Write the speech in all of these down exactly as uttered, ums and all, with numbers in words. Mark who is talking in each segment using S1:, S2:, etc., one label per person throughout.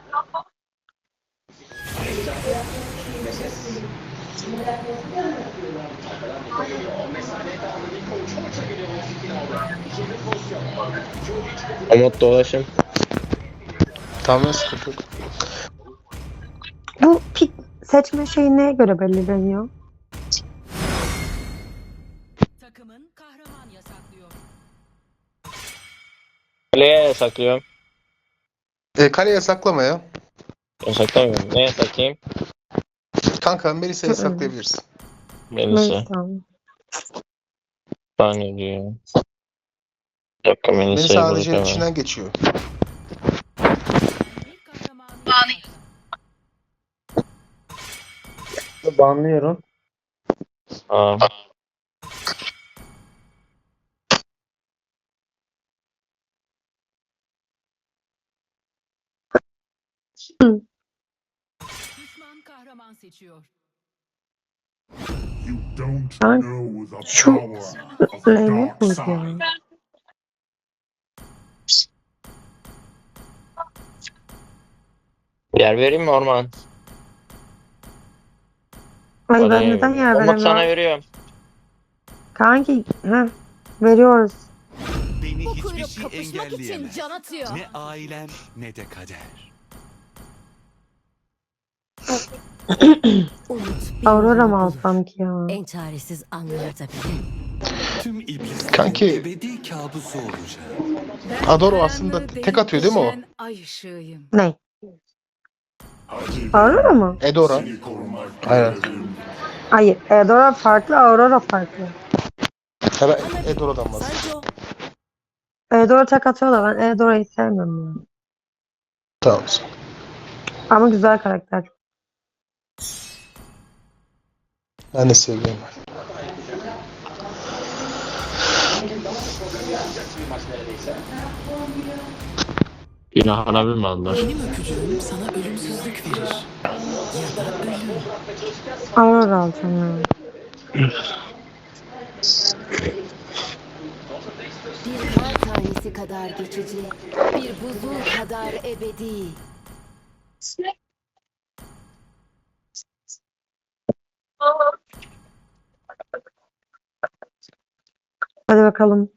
S1: Umut dolaşım.
S2: Tamam, sıkıntı yok.
S3: Bu pik seçme şeyi neye göre belirleniyor?
S4: Takımın kahraman yasaklıyor.
S1: Kaleye yasaklıyorum.
S2: E, kaleye saklama ya.
S1: Yasaklamıyorum. Ne yasaklayayım?
S2: Kanka Melisa'yı
S3: Hı hı.
S2: saklayabilirsin.
S1: Melisa.
S3: Melisa.
S1: Saniye diyor. Bir dakika
S2: Melisa
S1: Melisa'yı bulduk
S2: A D C'nin
S1: hemen.
S2: içinden geçiyor.
S4: Bir kahramanı yasakla.
S5: Banlıyorum.
S1: Aa.
S4: Düşman kahraman seçiyor.
S6: You don't
S3: Ben
S6: know the
S3: şu
S6: power of the
S3: Reyne
S6: dark
S3: miydi
S6: side.
S3: ya?
S1: Yer vereyim mi Orman?
S3: Ay ben
S1: Oraya
S3: neden
S1: veriyorum.
S3: yer
S1: Umut sana
S3: veremiyorum?
S1: veriyorum.
S3: Kanki heh, veriyoruz.
S7: Beni
S4: Bu
S7: hiçbir
S4: kuyruk
S7: şey
S4: kapışmak için
S7: engelleyemez.
S4: can atıyor.
S7: Ne ailem ne de kader.
S8: Umut bir
S3: Aurora
S8: yolunu
S3: mı
S8: bulur.
S3: alsam ki ya?
S8: En çaresiz anlarda bile.
S7: Tüm iblislerin
S2: Kanki-
S7: ebedi kabusu olacak.
S4: Ben
S2: Adoro aslında
S4: karanlığı
S2: tek
S4: delip
S2: atıyor değil mi o?
S4: geçen Ay ışığıyım.
S3: Ne?
S6: Hadi
S3: Aurora mı?
S2: Edora.
S6: seni korumak
S2: Aynen.
S6: görevim.
S3: Hayır. Edora farklı, Aurora farklı.
S2: Ha, ben Edora'dan bahsediyorum.
S8: Sancho
S3: Edora tek atıyor da ben Edora'yı sevmiyorum ya.
S2: Tamam.
S3: Ama güzel karakter.
S2: Ben de seviyorum.
S1: Günah alabilir mi aldılar?
S8: benim öpücüğüm sana ölümsüzlük verir. Ya da ölüm.
S3: Aurora alacağım ya.
S8: Bir kar tanesi kadar geçici, bir buzul kadar ebedi.
S3: Hadi bakalım.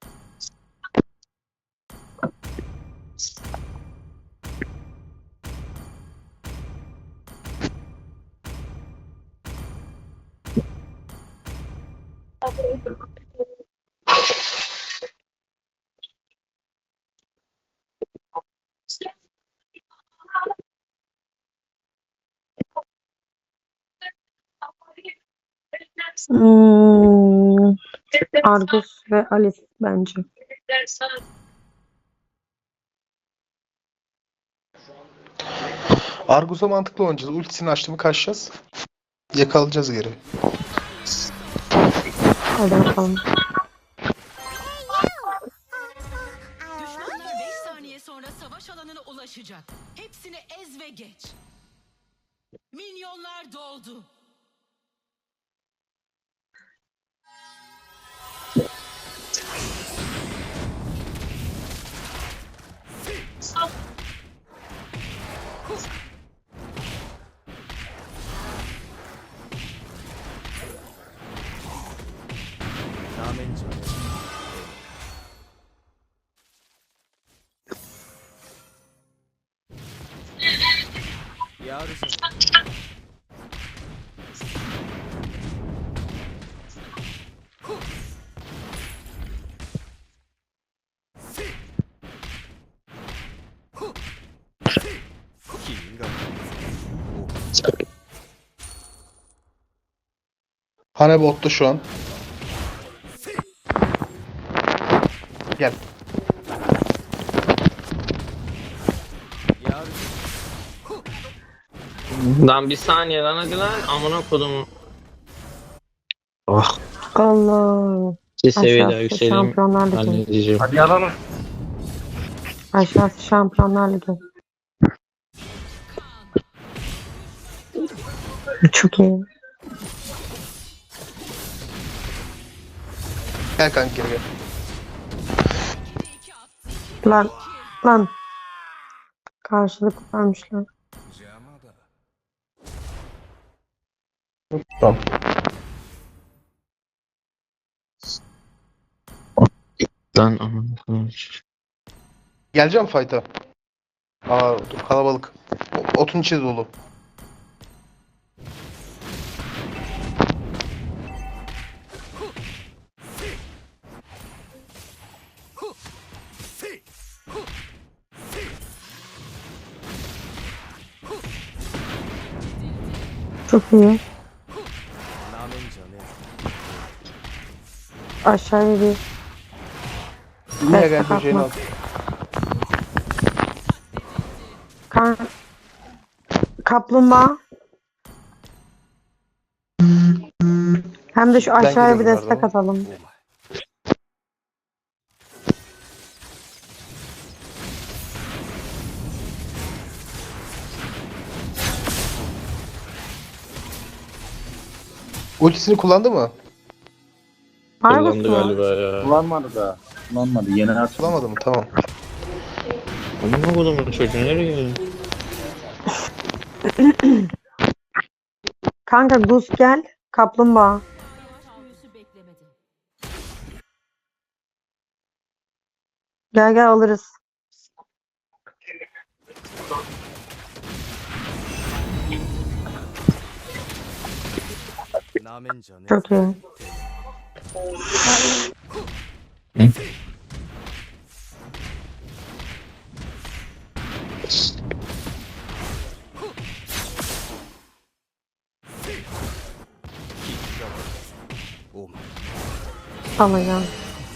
S3: Hmm, Argus ve Alice bence.
S2: Argus'a mantıklı oynayacağız. Ultisini açtı mı kaçacağız. Yakalayacağız geri.
S3: Hadi bakalım.
S4: Düşmanlar beş saniye sonra savaş alanına ulaşacak. Hepsini ez ve geç. Minyonlar doldu.
S2: Hane botta şu an. Gel.
S1: Lan bir saniye lan hadi lan. Amına kodum. Oh.
S3: Allah.
S1: Bir seviye daha
S3: Aşağısı
S1: yükseleyim.
S3: Şampiyonlar Ligi.
S1: Halledeceğim.
S5: Hadi alalım.
S3: Aşağısı Şampiyonlar Ligi. Çok iyi.
S2: Gel kanka geri gel.
S3: Lan. Lan. Karşılık vermişler.
S2: Tamam.
S1: Lan amına koyayım.
S2: Geleceğim fight'a. Aa dur, kalabalık. O- Otun içi dolu.
S3: Çok iyi. Aşağıya bir
S2: Mia gel
S3: destek
S2: böceğini al.
S3: atmak. Kan kaplumbağa. Hem de şu aşağıya bir
S2: geliyorum
S3: destek
S2: pardon.
S3: atalım.
S2: Ultisini kullandı mı?
S3: Argus
S1: Kullandı
S3: mu?
S1: galiba ya.
S5: Kullanmadı da. Kullanmadı. Yeni artık.
S2: Kullanmadı mı? Tamam.
S1: Amına kodumun çocuğu nereye?
S3: Kanka Gus gel. Kaplumbağa.
S4: Büyüsü beklemedi.
S3: Gel gel alırız. Çok iyi. Alacağım.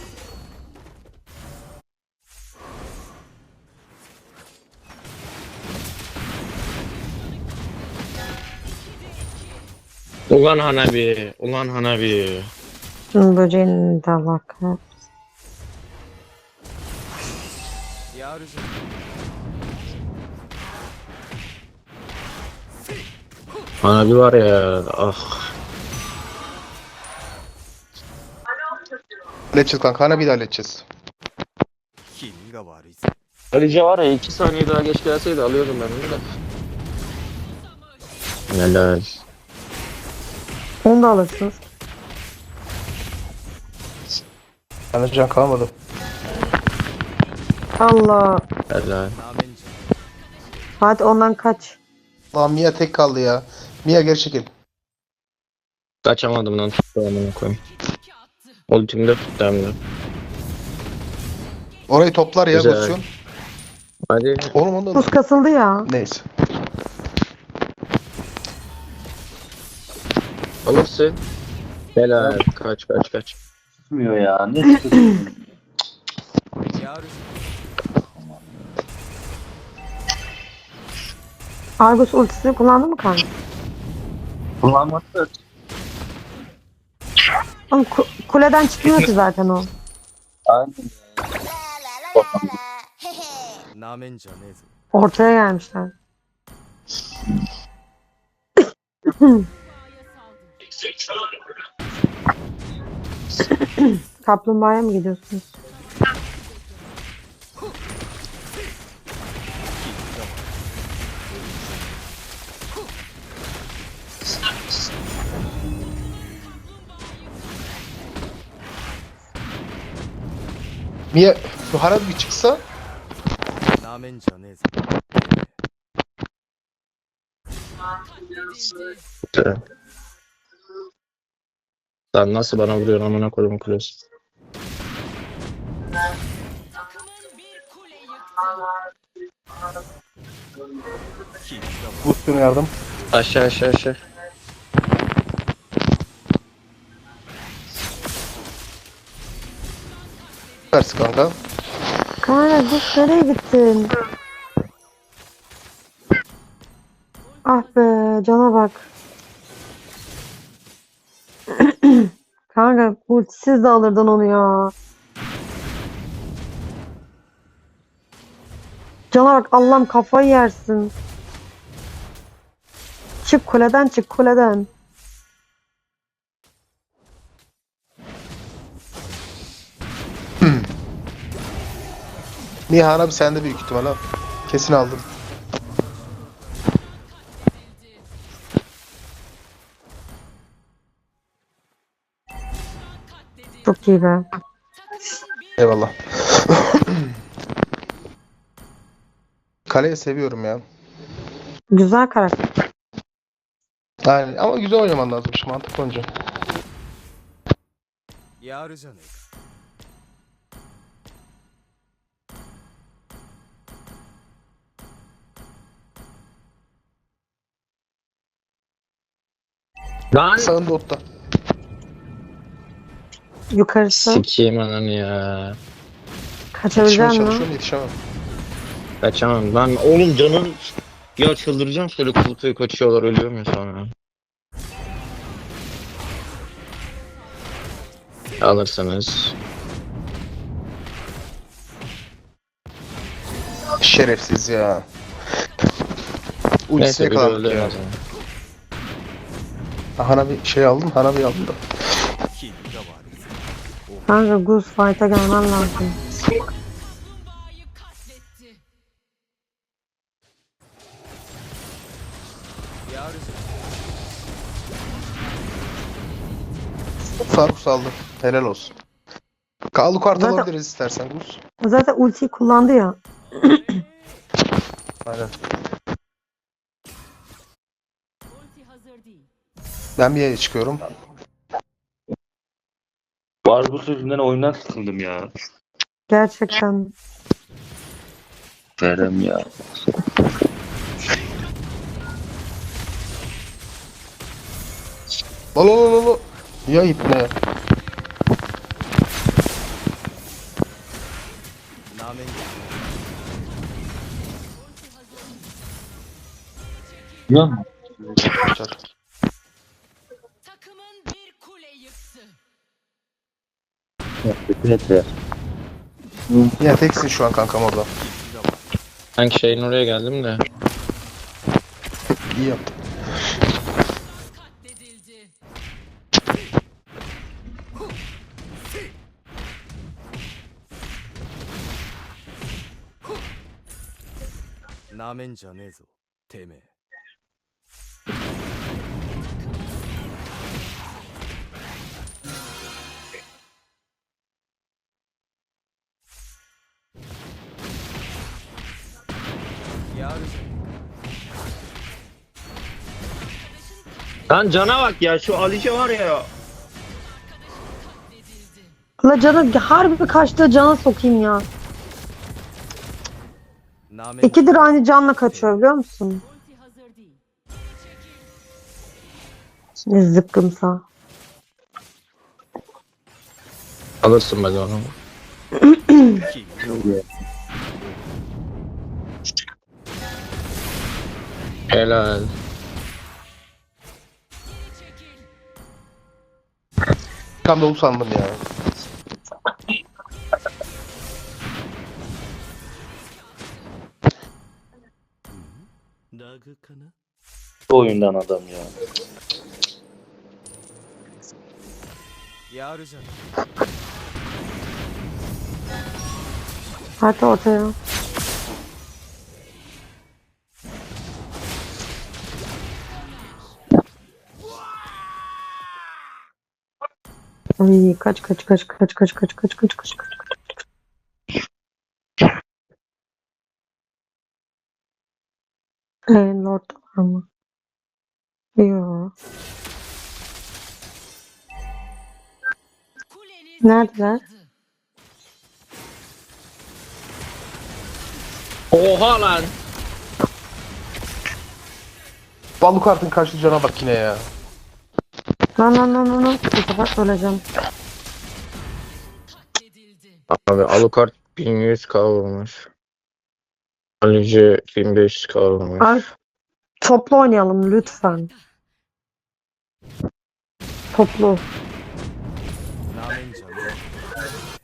S1: Ulan Hanabi. Ulan Hanabi.
S3: Şunun böceğinin de bak.
S1: Hanabi var ya. Ah.
S2: Halledeceğiz kanka. Hana bir de halledeceğiz.
S1: Alice var ya iki saniye daha geç gelseydi alıyordum ben onu da. Helal.
S3: Onu da alırsınız.
S2: Bende can kalmadı.
S3: Allah.
S1: Helal.
S3: Hadi ondan kaç.
S2: Lan Mia tek kaldı ya. Mia geri çekil.
S1: Kaçamadım lan tuttu amına koyayım. Ultimde tuttu hem de.
S2: Orayı toplar ya
S1: Güzel.
S2: pozisyon.
S1: Hadi.
S2: Oğlum onu da...
S3: Buz kasıldı ya.
S2: Neyse.
S1: Alırsın. Helal. Kaç kaç kaç.
S5: Tutmuyor ya. Ne tutuyorsun?
S3: Argus ultisini kullandı mı kanka?
S5: Kullanmadı da.
S3: Oğlum ku- kuleden çıkmıyor ki zaten o.
S5: Aynen.
S3: Ortaya gelmişler. Kaplumbağaya mı gidiyorsunuz?
S2: Mia şu Hana bir çıksa
S1: Güzel. Sen nasıl bana vuruyorsun amına koyayım kulesi.
S4: Takımın bir kule yıktı.
S2: bu üstüne yardım.
S1: Aşağı aşağı aşağı.
S2: Versin kanka.
S3: Kanka Gus nereye gittin? Ah be cana bak. Kanka ultisiz de alırdın onu ya. Cana bak Allah'ım kafayı yersin. Çık kuleden çık kuleden.
S2: Mia Hana bir sende büyük ihtimal ha. Kesin aldın.
S3: Çok iyi be.
S4: Takımın bir
S2: Eyvallah. Kaleyi seviyorum ya.
S3: Güzel karakter.
S2: Yani ama güzel oynaman lazım. Şu mantık oyuncu.
S7: やるじゃねえか。
S1: Lan
S2: Sağında otta.
S3: Yukarısı.
S1: sikeyim ananı ya.
S2: Yetişmeye
S3: Kaçabilecek misin?
S2: çalışıyorum yetişemem.
S1: Kaçamam. Lan oğlum canım. Ya çıldıracağım şöyle kulüpeye kaçıyorlar ölüyorum ya sonra. Alırsınız.
S2: Şerefsiz ya. Ultisine
S1: Neyse biri öldü
S2: yakalandık
S1: en
S2: ya.
S1: azından.
S2: Hana bir şey aldım. Hana bir aldım da.
S7: キリが悪い。
S3: Kanka Gus fight'a gelmen lazım.
S4: kaplumbağayı katletti.
S7: やるじゃ
S2: Faruk saldı. Helal olsun. Kalu kart
S3: Zaten-
S2: alabiliriz istersen Gus.
S3: Zaten ultiyi kullandı ya.
S2: Aynen.
S4: Ulti hazır değil.
S2: Ben bir yere çıkıyorum.
S5: Barbus yüzünden oyundan sıkıldım ya.
S3: Gerçekten.
S5: Verem ya.
S2: Lolo lolo lolo. Ya ipne.
S7: なめんじ
S5: Biliyor musun?
S2: Kaçar.
S4: Takımın bir kule yıktı.
S5: Evet ya.
S2: Ya teksin şu an kankam orada.
S1: Sanki şeyin oraya geldim de.
S2: İyi yaptın.
S4: Katledildi.
S7: ゃなめんじゃねえぞてめえ。 やるじゃね
S1: Lan cana bak ya şu Alice var ya.
S4: Katledildi.
S3: La canı harbi kaçtığı cana sokayım ya.
S7: えなめんじゃ
S3: İkidir aynı canla kaçıyor biliyor musun?
S4: Ulti hazır değil.
S3: Ne zıkkımsa.
S1: Alırsın be onu.
S7: キリが
S1: Helal.
S4: Çekil.
S2: Tam dolu sandım ya.
S7: ラグかな。
S5: Bu oyundan adam ya.
S7: やるじゃね
S3: Hadi ortaya. Ay kaç kaç kaç kaç kaç kaç kaç kaç kaç kaç. Eee Lord var mı? Yok.
S4: Kuleniz
S3: Neredeler?
S4: yıkıldı.
S1: Oha lan.
S2: Balu kartın karşı cana bak yine ya.
S3: Lan lan lan lan lan. Bu sefer öleceğim.
S4: Katledildi.
S1: Abi Alucard bin yüz k vurmuş. Alice bin beş yüz k vurmuş.
S3: Ay, toplu oynayalım lütfen. Toplu.
S7: え。なめんじゃねえ。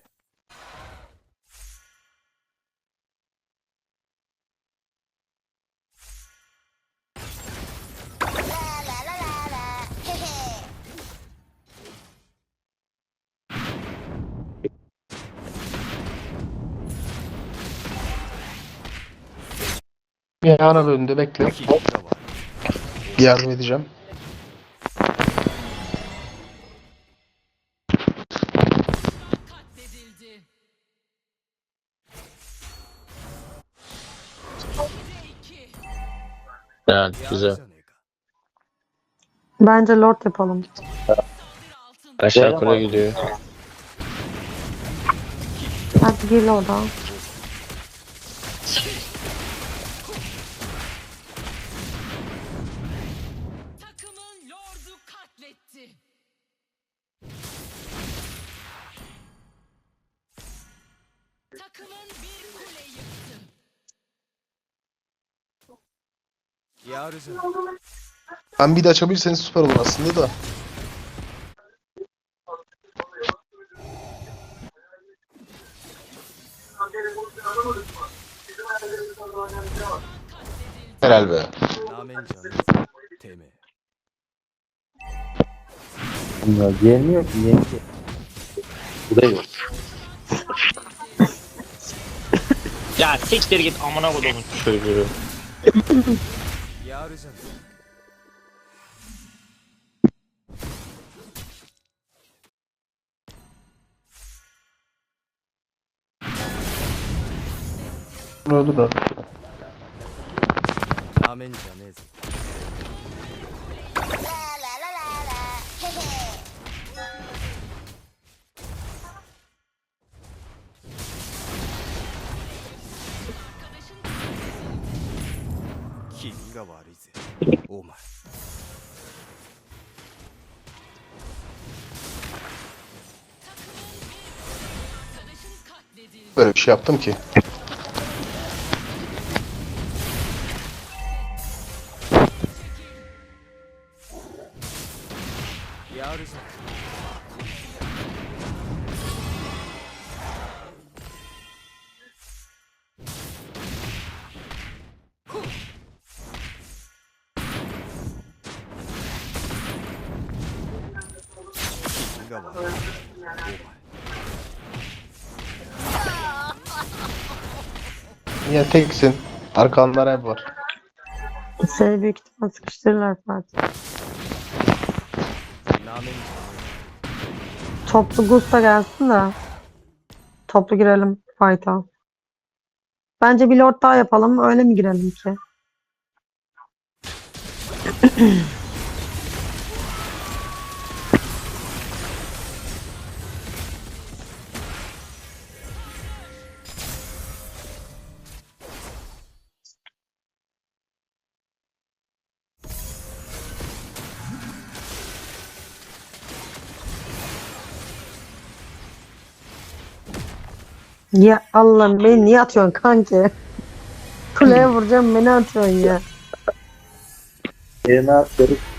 S2: Bir ana bölümde bekle.
S7: キリが悪い。
S2: Yardım edeceğim.
S1: Evet
S7: やる
S1: güzel.
S7: じゃねえか
S3: Bence lord yapalım.
S1: Aşağı
S5: Güzel
S1: kule
S5: ama-
S1: gidiyor.
S3: Hadi gir lord'a.
S4: Takımın lordu katletti. Takımın bir kule yıktı.
S7: やるじゃねえか
S2: Ben bir de açabilirseniz süper olur aslında da. Helal be.
S7: なめんじゃねえぞてめえ
S5: Ya gelmiyor ki niye ki? Bu da yok.
S1: Ya siktir git amına kodumun çocuğu.
S7: やるじゃねえか
S2: Öldü de.
S7: なめんじゃねえぞ 君が悪いぜお前
S4: Arkadaşın katledildi.
S2: Böyle bir şey yaptım ki.
S7: やるじゃね君が悪いぜお前
S2: Niye teksin? Arkanlar hep var.
S3: Seni büyük ihtimal sıkıştırırlar Fatih.
S7: なめんじゃね
S3: Toplu Gusta gelsin de. Toplu girelim fight'a. Bence bir lord daha yapalım. Öyle mi girelim ki? Ya Allah'ım beni niye atıyorsun kanki? Kuleye vuracağım beni atıyorsun ya.
S5: E ne yapıyoruz?